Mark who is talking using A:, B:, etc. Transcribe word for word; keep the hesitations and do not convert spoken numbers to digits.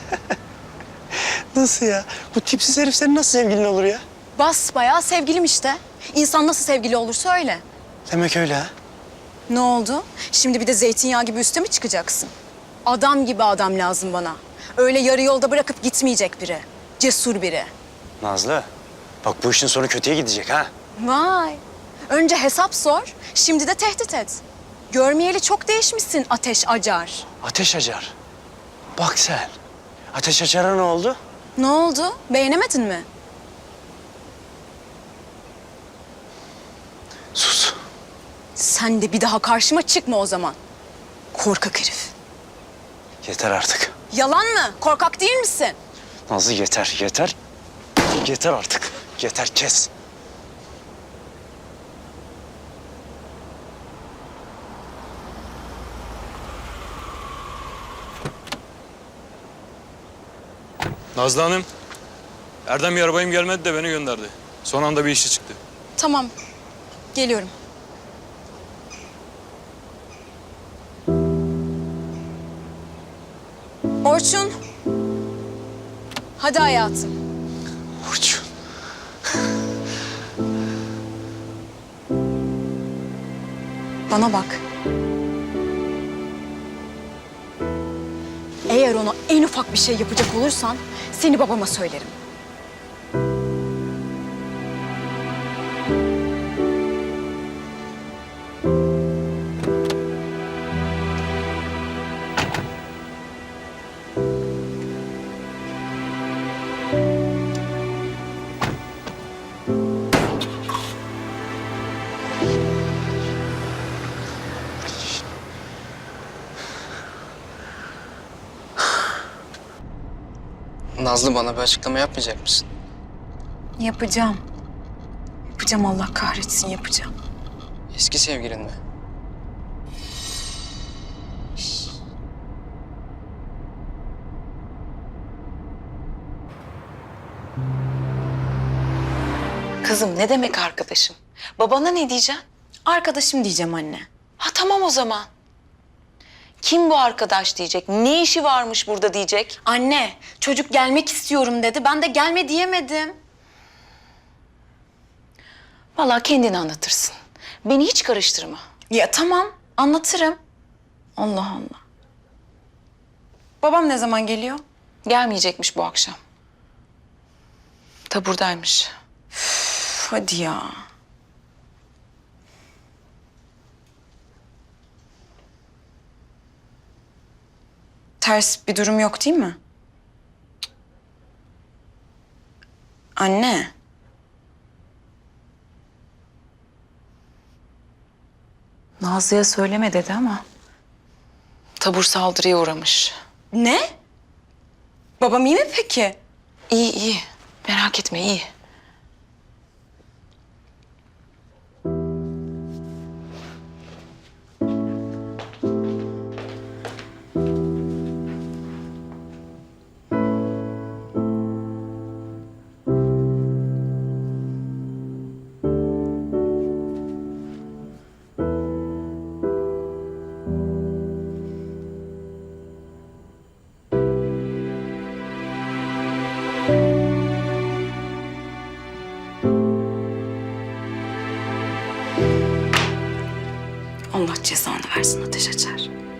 A: Nasıl ya? Bu tipsiz herif senin nasıl sevgilin olur ya?
B: Basbayağı sevgilim işte. İnsan nasıl sevgili olursa öyle.
A: Demek öyle ha?
B: Ne oldu? Şimdi bir de zeytinyağı gibi üste mi çıkacaksın? Adam gibi adam lazım bana. Öyle yarı yolda bırakıp gitmeyecek biri. Cesur biri.
A: Nazlı, bak bu işin sonu kötüye gidecek ha.
B: Vay. Önce hesap sor, şimdi de tehdit et. Görmeyeli çok değişmişsin Ateş Acar.
A: Ateş Acar. Bak sen. Ateş Acar'a ne oldu?
B: Ne oldu? Beğenemedin mi?
A: Sus.
B: Sen de bir daha karşıma çıkma o zaman. Korkak herif.
A: Yeter artık.
B: Yalan mı? Korkak değil misin?
A: Nazlı yeter, yeter. Yeter artık. Yeter, kes.
C: Nazlı Hanım, Erdem bir arabayım gelmedi de beni gönderdi. Son anda bir işi çıktı.
B: Tamam, geliyorum. Orçun. Hadi hayatım.
A: Orçun.
B: Bana bak. Eğer ona en ufak bir şey yapacak olursan seni babama söylerim.
D: Nazlı, bana bir açıklama yapmayacak mısın?
B: Yapacağım. Yapacağım, Allah kahretsin, yapacağım.
D: Eski sevgilin mi?
E: Kızım ne demek arkadaşım? Babana ne diyeceksin?
B: Arkadaşım diyeceğim anne.
E: Ha tamam o zaman. Kim bu arkadaş diyecek? Ne işi varmış burada diyecek?
B: Anne, çocuk gelmek istiyorum dedi. Ben de gelme diyemedim.
E: Vallahi kendini anlatırsın. Beni hiç karıştırma.
B: Ya tamam, anlatırım. Allah Allah. Babam ne zaman geliyor?
E: Gelmeyecekmiş bu akşam. Taburdaymış.
B: Üf, hadi ya. Ters bir durum yok değil mi? Anne.
E: Nazlı'ya söyleme dedi ama tabur saldırıya uğramış.
B: Ne? Babam iyi mi peki?
E: İyi iyi. Merak etme iyi.
B: Allah cezanı versin Ateş Açar.